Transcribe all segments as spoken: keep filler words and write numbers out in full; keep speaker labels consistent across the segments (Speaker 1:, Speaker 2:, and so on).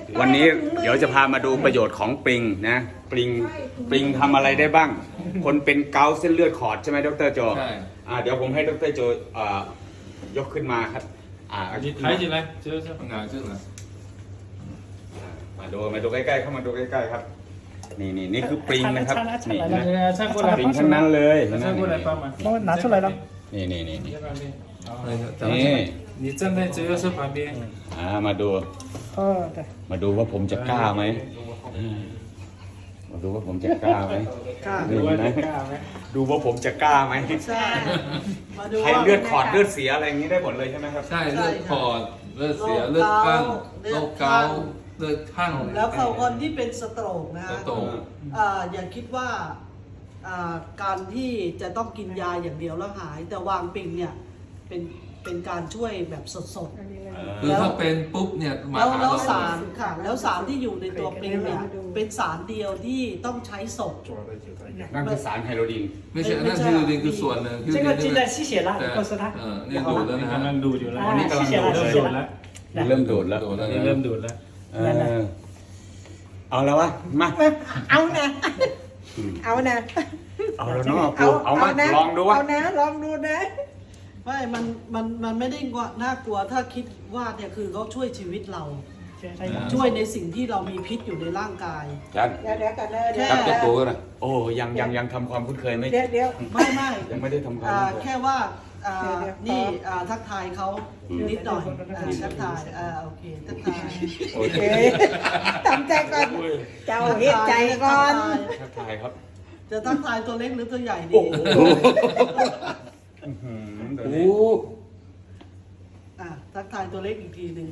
Speaker 1: วันนี้เดี๋ยวจะพามาดูประโยชน์ของปริงนะปริงปริงทำอะไรได้บ้าง คนเป็นเกาต์เส้นเลือดขอดใช่ไหมดรโจใช่อ่าเดี๋ยวผมให้ดรโจอ่ายกขึ้นมาครับอ่า
Speaker 2: 你抬起来，就是哪这个？
Speaker 1: มาดูมาดูใกล้ๆเข้ามาดูใกล้ๆครับนี่นี่นี่คือปริงนะครับนี่นะปริงทั้งนั้นเลย
Speaker 2: 站过来帮忙。
Speaker 3: 帮我拿出来了。
Speaker 1: นี่นี่นี่นี่
Speaker 2: นี่你站在这个是旁边。
Speaker 1: อ่ามาดู
Speaker 3: 哦，对。
Speaker 1: มาดูว่าผมจะกล้าไหมมาดูว่าผมจะกล้าไหมกล้าดูนะดูว่าผมจะกล้าไหมใช่ใครเลือดขอดเลือดเสียอะไรอย่างนี้ได้หมดเลยใช่ไหมครับ
Speaker 2: ใช่เลือดขอดเลือดเสียเลือดข้างโรคเกาต์เลือดข้าง
Speaker 4: แล้วเขาคนที่เป็นสโตรกนะฮะอย่าคิดว่าการที่จะต้องกินยาอย่างเดียวแล้วหาย แต่วางปิงเนี่ยเป็นเป็นการช่วยแบบสดๆ
Speaker 2: คือถ้าเป็นปุ๊บเนี่ย
Speaker 4: แล้วแล้วสารค่ะแล้วสารที่อยู่ในตัวปิงเนี่ยเป็นสารเดียวที่ต้องใช้ศพ
Speaker 1: นั่นคือสารไฮโดรดิน
Speaker 2: ไม่ใช่นั่นคือดินคือส่วนหนึ่ง
Speaker 3: 这个记得吸血了，告诉他。
Speaker 2: เออนี่ดูดแล้วนะ
Speaker 5: กำลังดูดอยู่แล้ว
Speaker 3: นี่กำลังดูดแล้ว
Speaker 1: เริ่มดูดแล้ว
Speaker 5: นี่เริ่มดูดแล้ว
Speaker 1: เอาแล้ววะมา
Speaker 3: เอานะเอานะ
Speaker 1: เอาแล้วเนาะเอามาลองดูวะ
Speaker 3: เอานะลองดูนะ
Speaker 4: ไม่มันมันมันไม่ได้น่ากลัวถ้าคิดว่าเนี่ยคือเขาช่วยชีวิตเราช่วยในสิ่งที่เรามีพิษอยู่ในร่างกาย
Speaker 1: จัน
Speaker 3: เดี๋ยวเดี๋ยวกันเลย
Speaker 1: เดี๋ยวจะตัวนะโอ้ยังยังยังทำความคุ้นเคยไม่
Speaker 3: เดี๋ยวเดี๋ยว
Speaker 4: ไม่ไม่
Speaker 1: ยังไม่ได้ทำความ
Speaker 4: แค่ว่านี่ทักทายเขานิดหน่อยทักทายโอเคทักทาย
Speaker 1: โอเค
Speaker 3: ทำใจก่อนเจ้าเฮ็ดใจก่อน
Speaker 1: ทักทายครับ
Speaker 4: จะทักทายตัวเล็กหรือตัวใหญ่ดี
Speaker 1: โอ้
Speaker 4: อ่ะทักทายตัวเล็กอีกทีหนึ่ง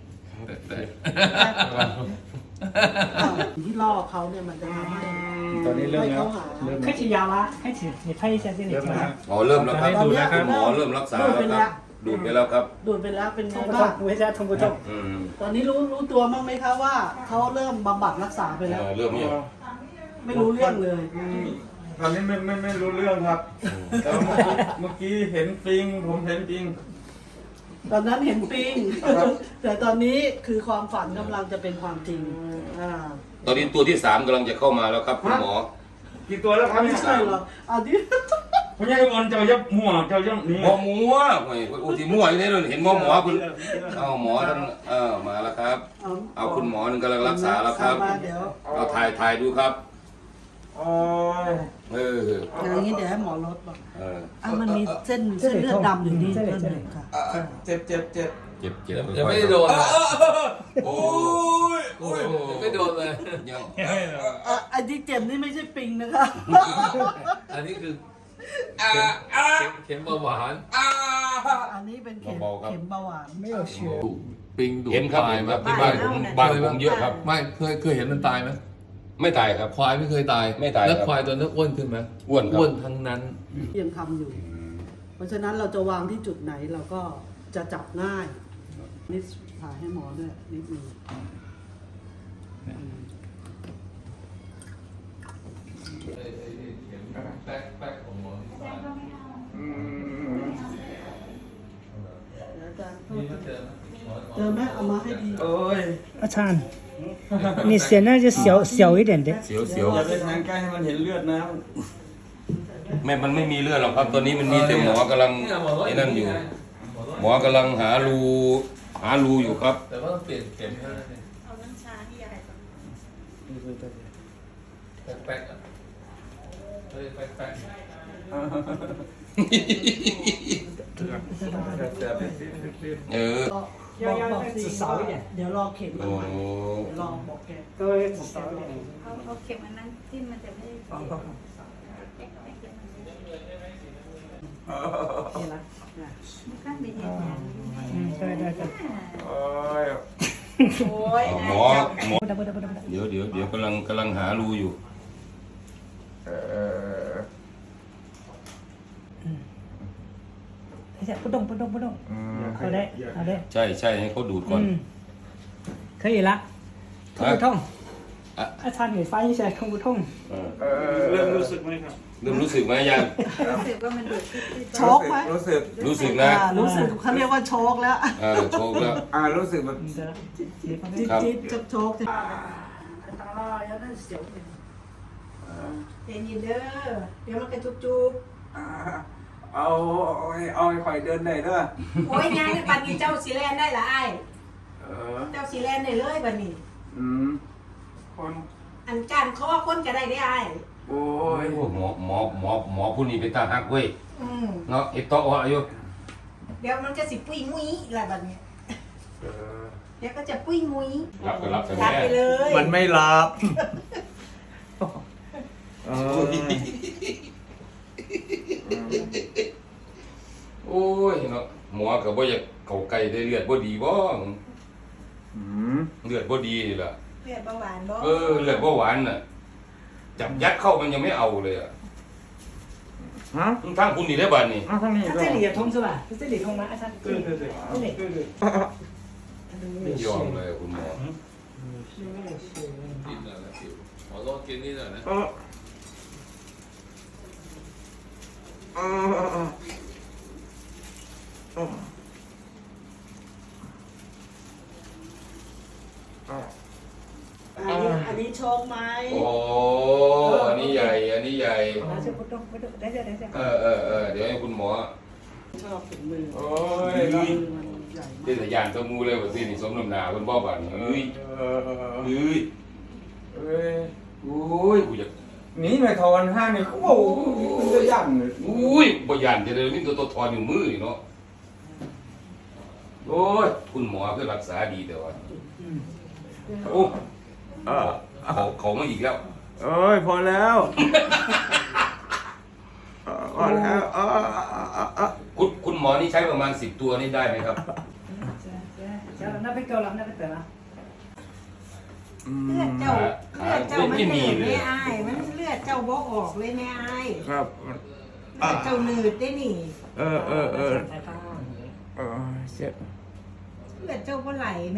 Speaker 4: ที่ล่อเขาเนี่ยมันจะทำให้
Speaker 5: ตอนนี้เริ่มแล้ว
Speaker 3: 开始咬了开始你拍一下这里
Speaker 6: อ๋อเริ่มแล้วครับหมอเริ่มรักษาแล้วครับดูดไปแล้วครับ
Speaker 4: ดูดไปแล้วเป็นไงบ้าง
Speaker 3: 不会再痛不痛
Speaker 4: ตอนนี้รู้รู้ตัวมั้งไหมคะว่าเขาเริ่มบำบัดรักษาไปแล้ว
Speaker 6: เริ่มยัง
Speaker 4: ไม่รู้เรื่องเลย
Speaker 5: ตอนนี้ไม่ไม่ไม่รู้เรื่องครับแต่เมื่อกี้เห็นปิงผมเห็นปิง
Speaker 4: ตอนนั้นเห็นปิงแต่ตอนนี้คือความฝันกำลังจะเป็นความจริง
Speaker 6: ตอนนี้ตัวที่สามกำลังจะเข้ามาแล้วครับคุณหมอ
Speaker 5: กี่ตัวแล้วครับ
Speaker 4: ไม่ใช่หรอกอันนี้
Speaker 5: ผมยังอ่อนเจ้ายับมั่วเจ้ายับนี่
Speaker 6: หมอหมัวโอ้ยอุติมั่วอยู่นี่เลยเห็นหมอหมอคุณเอาหมอท่านเออมาแล้วครับเอาคุณหมอนึงกำลังรักษาแล้วครับเอาถ่ายถ่ายดูครับ
Speaker 5: โอ้ย
Speaker 6: เออ
Speaker 4: อย่างนี้เดี๋ยวให้หมอลดบอกเอออ่ะมันมีเส้นเส้นเลือดดำอยู่นี่เส้นหนึ่งค่ะ
Speaker 5: เจ็บเจ็บเจ็บ
Speaker 6: เจ็บเจ็บ
Speaker 2: ยังไม่ได้โดน
Speaker 6: โอ้ยโอ้ย
Speaker 2: ไม่โดนเลย
Speaker 6: ยัง
Speaker 4: อันที่เจ็บนี่ไม่ใช่ปิงนะคะ
Speaker 2: อันนี้คือเข็มเบาหวาน
Speaker 4: อันนี้เป็นเข็มเข็มเบาหวานไม่
Speaker 3: 有血
Speaker 2: ปิงดูด
Speaker 6: ตายครับที่บ้านผมบ้านผมเยอะครับ
Speaker 2: ไม่เคยเคยเห็นมันตายไหม
Speaker 6: ไม่ตายครับ
Speaker 2: ควายไม่เคยตาย
Speaker 6: ไม่ตาย
Speaker 2: แล้วควายตัวนั้นอ้วนขึ้นไหม
Speaker 6: อ้วน
Speaker 2: อ้วนทั้งนั้น
Speaker 4: ยังทำอยู่เพราะฉะนั้นเราจะวางที่จุดไหนเราก็จะจับง่ายนิดถ่ายให้หมอด้วยนิดนึง
Speaker 2: แป๊กแป๊กของหมอ
Speaker 4: เจอไหมเอามาให้ดี
Speaker 5: โอ้ย
Speaker 3: อาจารย์你显得就小小一点的
Speaker 6: เสียวเสียว
Speaker 5: อย่าไปทางใกล้ให้มันเห็นเลือดนะ
Speaker 6: แม่มันไม่มีเลือดหรอกครับตอนนี้มันมีแต่หมอกำลังไอ้นั่นอยู่หมอกำลังหารูหารูอยู่ครับ
Speaker 2: แต่ว่าเปลี่ยนเข็มให้
Speaker 7: เอาน้ำชาที่ยายก่อน
Speaker 2: แป๊กแป๊กเฮ้ยแป๊กแป๊ก
Speaker 6: เออ
Speaker 4: บอกบอกสิเดี๋ยวรอเข็มมาใหม่รอบอกแก
Speaker 3: ก็少一点
Speaker 7: เอาเอาเข็มอันนั้นที่มันจะไม่ได้
Speaker 3: นี่ละ
Speaker 7: ข้างเดียว
Speaker 3: ใช่ได้ครับ
Speaker 5: โอ้ย
Speaker 7: โอ้ย
Speaker 6: หมอหมอเดี๋ยวเดี๋ยวเดี๋ยวกำลังกำลังหารูอยู่
Speaker 5: เออ
Speaker 3: ใช่不动不动不动好嘞好嘞
Speaker 6: ใช่ใช่ให้เขาดูดก่อน
Speaker 3: 可以了痛不痛อาจารย์หนูไฟใช่痛不痛
Speaker 5: เริ่มรู้สึกไหมครับ
Speaker 6: เริ่มรู้สึกไหมยัง
Speaker 7: รู้สึกว่ามันดูดที่ที่
Speaker 4: โชคไหม
Speaker 5: รู้สึก
Speaker 6: รู้สึกนะ
Speaker 4: อ่ารู้สึกเขาเรียกว่าโชคแล้ว
Speaker 6: เออโชคแล้ว
Speaker 5: อ่ารู้สึกแบบ
Speaker 3: 你的结婚
Speaker 4: จิ๊ด
Speaker 6: ครับ
Speaker 4: จิ๊ดจะโชค
Speaker 7: เป็นยินเด้อเดี๋ยวมันกระจุบจุบ
Speaker 5: อ่าเอาเอาให้เอาให้ข่อยเดินได้เด้อ
Speaker 7: โอ้ยงานในบัดนี้เจ้าสีแลนได้ละไอ้
Speaker 5: เออ
Speaker 7: เจ้าสีแลนได้เลยบัดนี้
Speaker 5: อืมคน
Speaker 7: อันการข้อคนก็ได้ได้ไอ้
Speaker 5: โอ้ย
Speaker 6: โอ้หมอหมอหมอหมอผู้นี้เป็นตาฮักเว้ย
Speaker 7: อืม
Speaker 6: เนาะเอตโตะอายุ
Speaker 7: เดี๋ยวมันจะสิปุ้ยมุ้ยละบัดนี้
Speaker 5: เออ
Speaker 7: เดี๋ยวก็จะปุ้ยมุ้ย
Speaker 6: รับก็รับแต่
Speaker 7: รับ
Speaker 6: แม่
Speaker 7: ไปเลย
Speaker 5: มันไม่รับเออ
Speaker 6: โอ้ยเนาะหมอก็บ่อยากเข้าใกล้ได้เลือดบ่ดีบ่
Speaker 5: อืม
Speaker 6: เลือดบ่ดีนี่ล่ะ
Speaker 7: เลือดเบาหวานบ่
Speaker 6: เออเลือดบ่หวานน่ะจับยัดเข้ามันยังไม่เอาเลยอ่ะ
Speaker 5: ฮะ
Speaker 6: ทางคุณนี่ได้บัดนี่
Speaker 5: อ้าวทางนี้
Speaker 3: 他
Speaker 5: ก็
Speaker 3: 这里也通是吧？他这里通吗？啊，他
Speaker 5: 对对对
Speaker 3: 这里
Speaker 5: 对对
Speaker 3: 他都没
Speaker 6: ไม่
Speaker 3: 有
Speaker 6: ยอม
Speaker 3: 写
Speaker 6: เลยคุณหมอ
Speaker 3: 是没有写
Speaker 2: กินหน่อยนะจิ๋วหมอต้องกินนี่หน่อยนะ
Speaker 5: เออเออเออเออเออเออ
Speaker 4: อันนี้อันนี้โชคไหม
Speaker 6: โอ้อันนี้ใหญ่อันนี้ใหญ่
Speaker 3: 拿着不动不动，等一下等一下
Speaker 6: เอ。อเออเออเดี๋ยวให้คุณหมอ
Speaker 4: ชอบถึงมือ
Speaker 5: โอ้ย
Speaker 4: มือมันใหญ่
Speaker 6: เทศยานตัวมูเลยว่าสินี่สมน้ำหนาคุณพ่อบัดนี่เอ้ย
Speaker 5: เออเออ
Speaker 6: เอ้ย
Speaker 5: เอ้ย
Speaker 6: โอ้ยกูอยาก
Speaker 5: หนีไปทอนห้านี่เขาบอกมันจะยั่งเลย
Speaker 6: อุ้ยบ่ยานจะเลยมีตัวตัวถอนอยู่มือนี่เนาะโอ้ยคุณหมอคือรักษาดีแต่ว่าโอ้
Speaker 5: เออ
Speaker 6: เขาเขามาอีกแล้ว
Speaker 5: เอ้ยพอแล้วเออพอแล้วเออเออเออเออ
Speaker 6: คุณคุณหมอนี่ใช้ประมาณสิบตัวนี่ได้ไหมครับ
Speaker 3: 行了，那边够了，那边得了。
Speaker 5: อื
Speaker 7: เลือด
Speaker 5: ม
Speaker 7: เจ้าเลือดเจ้ามันเหนืดไม่อายมันเลือดเจ้าบ่ออกเลยไม่อาย
Speaker 5: ครับ
Speaker 7: เลือดเจ้าหนืดได้นี่
Speaker 5: เออเออเออเออเจ็บ
Speaker 7: เลือดเจ้าบ่ไหลแม่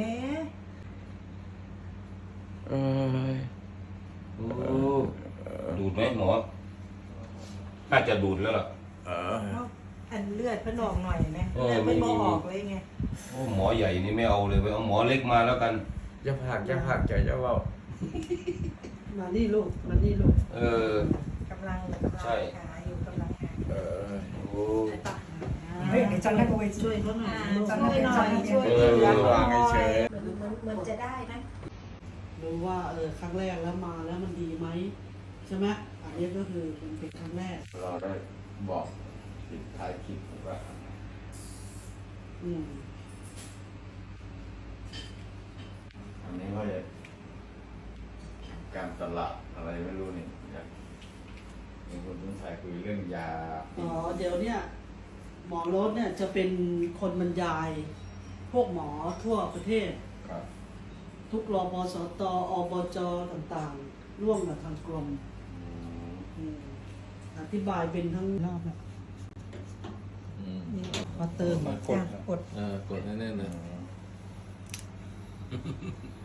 Speaker 5: เออ
Speaker 6: โอ้ดูดไหมหมอน่าจะดูดแล้วล่ะ
Speaker 5: เออ
Speaker 7: อันเลือดเพิ่นออกหน่อยไหม
Speaker 6: เออ
Speaker 7: เลือด
Speaker 6: ไม่
Speaker 7: เพิ่น
Speaker 6: มี
Speaker 7: บ่ออกเลยไง
Speaker 6: โอ้หมอใหญ่นี่ไม่เอาเลยไปเอาหมอเล็กมาแล้วกัน
Speaker 5: จะผักจะผักจะจะเว่า
Speaker 4: มานี่ลูกมานี่ลูก
Speaker 6: เออก
Speaker 7: ำลังกำลัง
Speaker 6: ใช่
Speaker 7: หาอยู่กำลังหา
Speaker 5: เออ
Speaker 6: โอ้
Speaker 3: 没有，你站那个位置。
Speaker 4: ช่วยเขาหน่อย
Speaker 7: อ่า
Speaker 4: ลูก
Speaker 7: ช่วยหน่อยช่วย
Speaker 6: เออ
Speaker 7: เหลือหน่
Speaker 5: วางเฉ
Speaker 7: อย
Speaker 5: ย
Speaker 7: เหมือนเหมือนจะได้นะ
Speaker 4: รู้ว่าเออครั้งแรกแล้วมาแล้วมันดีไหมใช่ไหมอันนี้ก็คือมันเป็นครั้งแรก
Speaker 5: เราได้บอกปิดท้ายคลิปว่า
Speaker 4: อืม
Speaker 5: อันนี้ก็จะการตลาดอะไรไม่รู้นี่อยากเห็นคนรุ่นไทยคุยเรื่องยา
Speaker 4: อ๋อเดี๋ยวเนี่ยหมอรถเนี่ยจะเป็นคนบรรยาย พวกหมอทั่วประเทศ
Speaker 5: ครับ
Speaker 4: ทุกรปสตอบจต่างๆ ร่วมกับทางกรมอืมอธิบายเป็นทั้งรอบเนี่ย
Speaker 2: อืม
Speaker 4: มาเติม
Speaker 3: 这样กด
Speaker 2: เออกดแน่ๆเลย
Speaker 5: อืม